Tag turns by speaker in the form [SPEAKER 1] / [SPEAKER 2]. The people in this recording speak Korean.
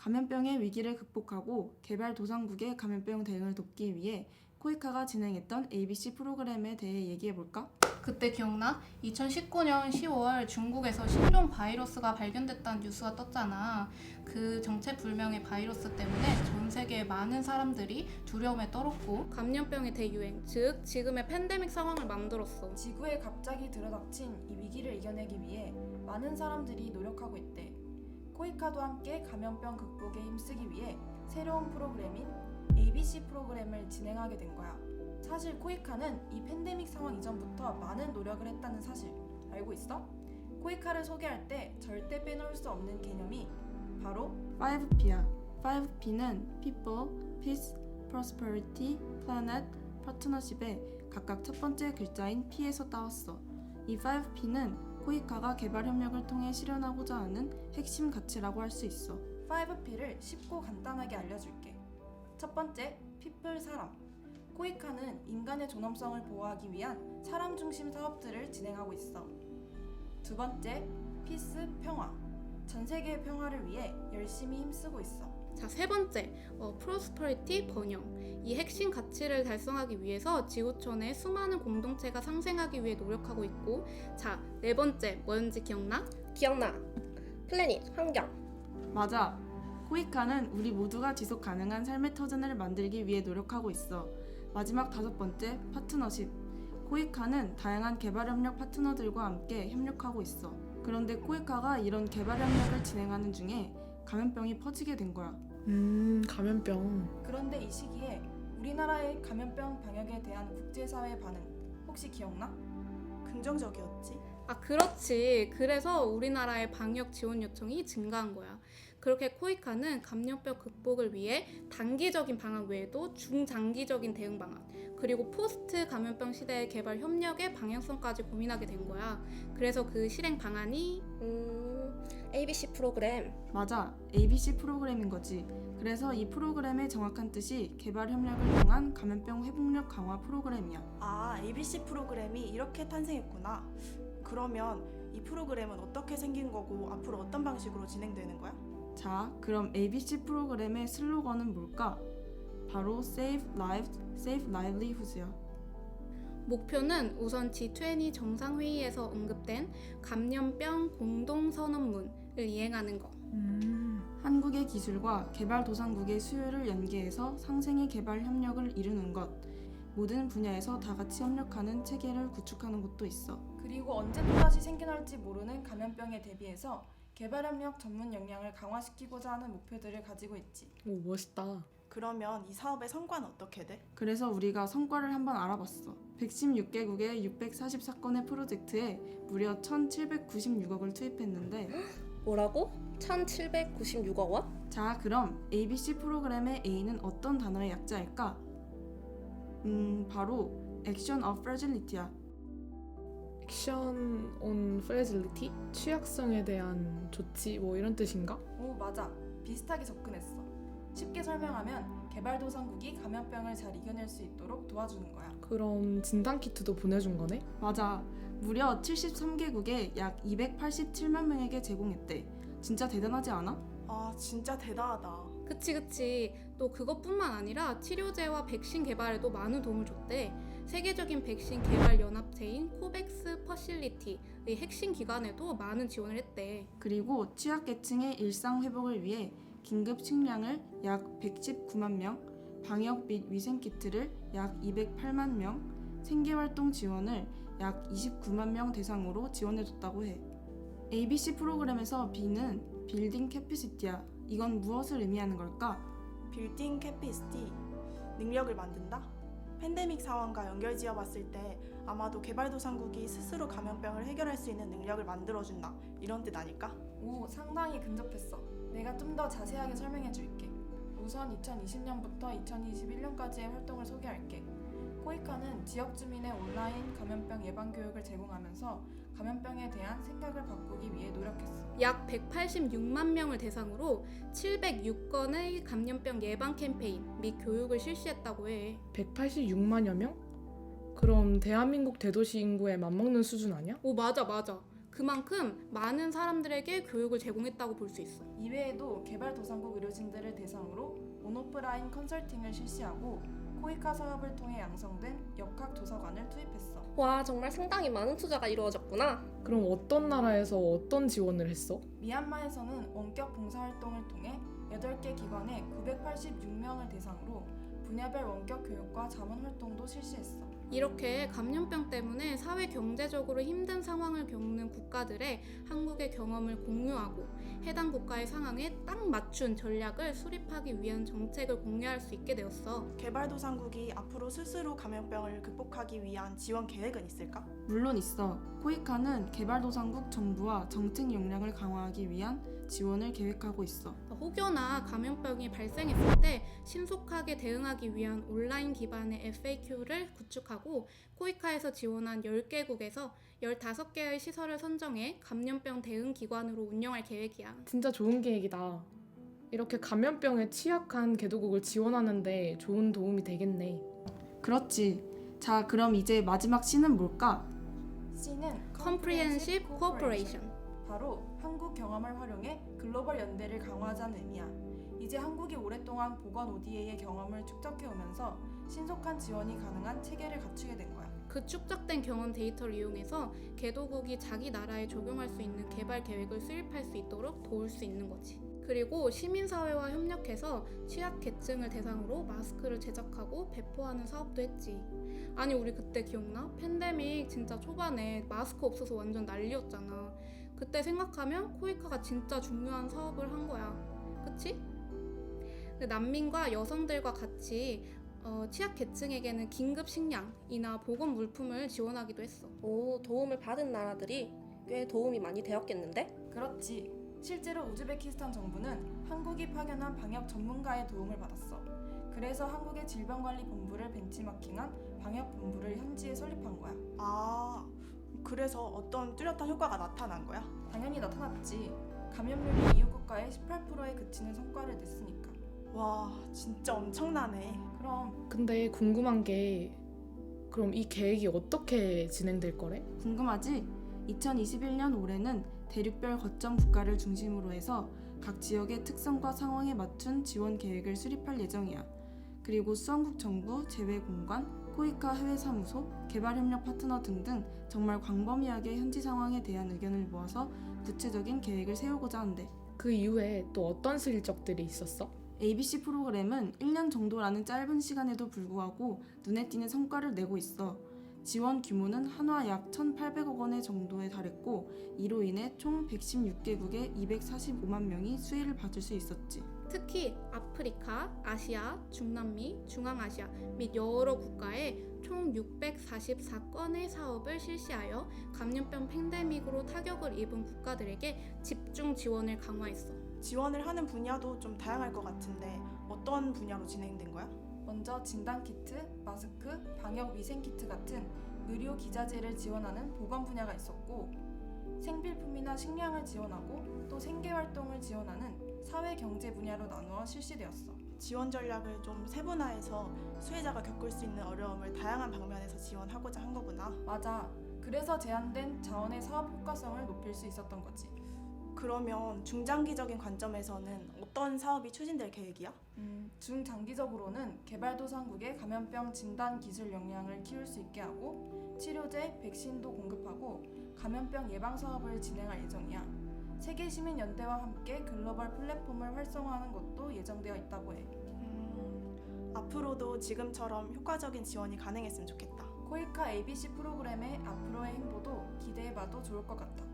[SPEAKER 1] 감염병의 위기를 극복하고 개발도상국의 감염병 대응을 돕기 위해 코이카가 진행했던 ABC 프로그램에 대해 얘기해볼까?
[SPEAKER 2] 그때 기억나? 2019년 10월 중국에서 신종 바이러스가 발견됐다는 뉴스가 떴잖아. 그 정체불명의 바이러스 때문에 전 세계의 많은 사람들이 두려움에 떨었고 감염병의 대유행, 즉 지금의 팬데믹 상황을 만들었어.
[SPEAKER 1] 지구에 갑자기 들어닥친 이 위기를 이겨내기 위해 많은 사람들이 노력하고 있대. 코이카도 함께 감염병 극복에 힘쓰기 위해 새로운 프로그램인 ABC 프로그램을 진행하게 된 거야. 사실 코이카는 이 팬데믹 상황 이전부터 많은 노력을 했다는 사실 알고 있어? 코이카를 소개할 때 절대 빼놓을 수 없는 개념이 바로 5P야. 5P는 People, Peace, Prosperity, Planet, Partnership의 각각 첫 번째 글자인 P에서 따왔어. 이 5P는 코이카가 개발 협력을 통해 실현하고자 하는 핵심 가치라고 할 수 있어. 5P를 쉽고 간단하게 알려줄게. 첫 번째, People 사람. 코이카는 인간의 존엄성을 보호하기 위한 사람 중심 사업들을 진행하고 있어. 두 번째, Peace 평화. 전 세계의 평화를 위해 열심히 힘쓰고 있어.
[SPEAKER 2] 자, 세 번째, 프로스퍼리티 번영. 이 핵심 가치를 달성하기 위해서 지구촌의 수많은 공동체가 상생하기 위해 노력하고 있고, 자, 네 번째, 뭐였는지 기억나?
[SPEAKER 3] 기억나. 플래닛, 환경.
[SPEAKER 1] 맞아. 코이카는 우리 모두가 지속 가능한 삶의 터전을 만들기 위해 노력하고 있어. 마지막 다섯 번째, 파트너십. 코이카는 다양한 개발 협력 파트너들과 함께 협력하고 있어. 그런데 코이카가 이런 개발 협력을 진행하는 중에 감염병이 퍼지게 된 거야.
[SPEAKER 4] 감염병.
[SPEAKER 1] 그런데 이 시기에 우리나라의 감염병 방역에 대한 국제사회의 반응 혹시 기억나?
[SPEAKER 3] 긍정적이었지.
[SPEAKER 2] 아, 그렇지. 그래서 우리나라의 방역 지원 요청이 증가한 거야. 그렇게 코이카는 감염병 극복을 위해 단기적인 방안 외에도 중장기적인 대응 방안, 그리고 포스트 감염병 시대의 개발 협력의 방향성까지 고민하게 된 거야. 그래서 그 실행 방안이
[SPEAKER 3] ABC 프로그램.
[SPEAKER 1] 맞아. ABC 프로그램인 거지. 그래서 이 프로그램의 정확한 뜻이 개발 협력을 통한 감염병 회복력 강화 프로그램이야.
[SPEAKER 5] 아, ABC 프로그램이 이렇게 탄생했구나. 그러면 이 프로그램은 어떻게 생긴 거고 앞으로 어떤 방식으로 진행되는 거야?
[SPEAKER 1] 자, 그럼 ABC 프로그램의 슬로건은 뭘까? 바로 Save Lives, Save Livelihoods야.
[SPEAKER 2] 목표는 우선 G20 정상회의에서 언급된 감염병 공동선언문을 이행하는 거.
[SPEAKER 1] 한국의 기술과 개발도상국의 수요를 연계해서 상생의 개발 협력을 이루는 것. 모든 분야에서 다 같이 협력하는 체계를 구축하는 것도 있어. 그리고 언제 또다시 생겨날지 모르는 감염병에 대비해서 개발협력 전문 역량을 강화시키고자 하는 목표들을 가지고 있지.
[SPEAKER 4] 오, 멋있다.
[SPEAKER 5] 그러면 이 사업의 성과는 어떻게 돼?
[SPEAKER 1] 그래서 우리가 성과를 한번 알아봤어. 116개국의 644건의 프로젝트에 무려 1,796억을 투입했는데
[SPEAKER 3] 뭐라고? 1,796억 원?
[SPEAKER 1] 자, 그럼 ABC 프로그램의 A는 어떤 단어의 약자일까? 바로 Action of Fragility야.
[SPEAKER 4] 액션 온 프레질리티? 취약성에 대한 조치 뭐 이런 뜻인가?
[SPEAKER 1] 오, 맞아. 비슷하게 접근했어. 쉽게 설명하면 개발도상국이 감염병을 잘 이겨낼 수 있도록 도와주는 거야.
[SPEAKER 4] 그럼 진단키트도 보내준 거네?
[SPEAKER 1] 맞아. 무려 73개국에 약 287만 명에게 제공했대. 진짜 대단하지 않아?
[SPEAKER 5] 아, 진짜 대단하다.
[SPEAKER 2] 그치. 또 그것뿐만 아니라 치료제와 백신 개발에도 많은 도움을 줬대. 세계적인 백신 개발 연합체인 코백스 퍼실리티의 핵심 기관에도 많은 지원을 했대.
[SPEAKER 1] 그리고 취약계층의 일상 회복을 위해 긴급 식량을 약 119만 명, 방역 및 위생 키트를 약 208만 명, 생계활동 지원을 약 29만 명 대상으로 지원해줬다고 해. ABC 프로그램에서 B는 빌딩 캐피시티야. 이건 무엇을 의미하는 걸까?
[SPEAKER 5] 빌딩 캐피시티, 능력을 만든다? 팬데믹 상황과 연결지어 봤을 때 아마도 개발도상국이 스스로 감염병을 해결할 수 있는 능력을 만들어준다, 이런 뜻 아닐까?
[SPEAKER 1] 오, 상당히 근접했어. 내가 좀 더 자세하게 설명해 줄게. 우선 2020년부터 2021년까지의 활동을 소개할게. 코이카는 지역 주민의 온라인 감염병 예방 교육을 제공하면서 감염병에 대한 생각을 바꾸기 위해 노력했어.
[SPEAKER 2] 약 186만 명을 대상으로 706건의 감염병 예방 캠페인 및 교육을 실시했다고 해.
[SPEAKER 4] 186만여 명? 그럼 대한민국 대도시 인구에 맞먹는 수준 아니야?
[SPEAKER 2] 오, 맞아. 그만큼 많은 사람들에게 교육을 제공했다고 볼 수 있어.
[SPEAKER 1] 이외에도 개발도상국 의료진들을 대상으로 온오프라인 컨설팅을 실시하고 코이카 사업을 통해 양성된 역학 도서관을 투입했어.
[SPEAKER 3] 와, 정말 상당히 많은 투자가 이루어졌구나.
[SPEAKER 4] 그럼 어떤 나라에서 어떤 지원을 했어?
[SPEAKER 1] 미얀마에서는 원격 봉사활동을 통해 8개 기관에 986명을 대상으로 분야별 원격 교육과 자문활동도 실시했어.
[SPEAKER 2] 이렇게 감염병 때문에 사회 경제적으로 힘든 상황을 겪는 국가들의 한국의 경험을 공유하고 해당 국가의 상황에 딱 맞춘 전략을 수립하기 위한 정책을 공유할 수 있게 되었어.
[SPEAKER 5] 개발도상국이 앞으로 스스로 감염병을 극복하기 위한 지원 계획은 있을까?
[SPEAKER 1] 물론 있어. 코이카는 개발도상국 정부와 정책 역량을 강화하기 위한 지원을 계획하고 있어.
[SPEAKER 2] 혹여나 감염병이 발생했을 때 신속하게 대응하기 위한 온라인 기반의 FAQ를 구축하고 코이카에서 지원한 10개국에서 15개의 시설을 선정해 감염병 대응 기관으로 운영할 계획이야.
[SPEAKER 4] 진짜 좋은 계획이다. 이렇게 감염병에 취약한 개도국을 지원하는데 좋은 도움이 되겠네.
[SPEAKER 1] 그렇지. 자, 그럼 이제 마지막 C는 뭘까? C는
[SPEAKER 2] Comprehensive Cooperation.
[SPEAKER 1] 바로 한국 경험을 활용해 글로벌 연대를 강화하자는 의미야. 이제 한국이 오랫동안 보건 ODA의 경험을 축적해 오면서 신속한 지원이 가능한 체계를 갖추게 된 거야.
[SPEAKER 2] 그 축적된 경험 데이터를 이용해서 개도국이 자기 나라에 적용할 수 있는 개발 계획을 수립할 수 있도록 도울 수 있는 거지. 그리고 시민사회와 협력해서 취약계층을 대상으로 마스크를 제작하고 배포하는 사업도 했지. 아니 우리 그때 기억나? 팬데믹 진짜 초반에 마스크 없어서 완전 난리였잖아. 그때 생각하면 코이카가 진짜 중요한 사업을 한 거야. 그치? 난민과 여성들과 같이 취약계층에게는 긴급 식량이나 보건 물품을 지원하기도 했어.
[SPEAKER 3] 오, 도움을 받은 나라들이 꽤 도움이 많이 되었겠는데?
[SPEAKER 1] 그렇지. 실제로 우즈베키스탄 정부는 한국이 파견한 방역 전문가의 도움을 받았어. 그래서 한국의 질병관리본부를 벤치마킹한 방역본부를 현지에 설립한 거야.
[SPEAKER 5] 아, 그래서 어떤 뚜렷한 효과가 나타난 거야?
[SPEAKER 1] 당연히 나타났지. 감염률이 이웃 국가의 18%에 그치는 성과를 냈으니까.
[SPEAKER 5] 와, 진짜 엄청나네.
[SPEAKER 1] 그럼
[SPEAKER 4] 근데 궁금한 게 그럼 이 계획이 어떻게 진행될 거래?
[SPEAKER 1] 궁금하지? 2021년 올해는 대륙별 거점 국가를 중심으로 해서 각 지역의 특성과 상황에 맞춘 지원 계획을 수립할 예정이야. 그리고 수원국 정부, 재외공관, 코이카 해외사무소, 개발협력 파트너 등등 정말 광범위하게 현지 상황에 대한 의견을 모아서 구체적인 계획을 세우고자 한대.
[SPEAKER 4] 그 이후에 또 어떤 실적들이 있었어?
[SPEAKER 1] ABC 프로그램은 1년 정도라는 짧은 시간에도 불구하고 눈에 띄는 성과를 내고 있어. 지원 규모는 한화 약 1,800억 원의 정도에 달했고 이로 인해 총 116개국의 245만 명이 수혜를 받을 수 있었지.
[SPEAKER 2] 특히 아프리카, 아시아, 중남미, 중앙아시아 및 여러 국가에 총 644건의 사업을 실시하여 감염병 팬데믹으로 타격을 입은 국가들에게 집중 지원을 강화했어.
[SPEAKER 5] 지원을 하는 분야도 좀 다양할 것 같은데 어떤 분야로 진행된 거야?
[SPEAKER 1] 먼저 진단키트, 마스크, 방역위생키트 같은 의료 기자재를 지원하는 보건 분야가 있었고 생필품이나 식량을 지원하고 또 생계활동을 지원하는 사회경제 분야로 나누어 실시되었어.
[SPEAKER 5] 지원 전략을 좀 세분화해서 수혜자가 겪을 수 있는 어려움을 다양한 방면에서 지원하고자 한 거구나.
[SPEAKER 1] 맞아. 그래서 제한된 자원의 사업 효과성을 높일 수 있었던 거지.
[SPEAKER 5] 그러면 중장기적인 관점에서는 어떤 사업이 추진될 계획이야?
[SPEAKER 1] 중장기적으로는 개발도상국의 감염병 진단 기술 역량을 키울 수 있게 하고 치료제, 백신도 공급하고 감염병 예방 사업을 진행할 예정이야. 세계 시민연대와 함께 글로벌 플랫폼을 활성화하는 것도 예정되어 있다고 해.
[SPEAKER 5] 앞으로도 지금처럼 효과적인 지원이 가능했으면 좋겠다.
[SPEAKER 1] 코이카 ABC 프로그램의 앞으로의 행보도 기대해봐도 좋을 것 같아.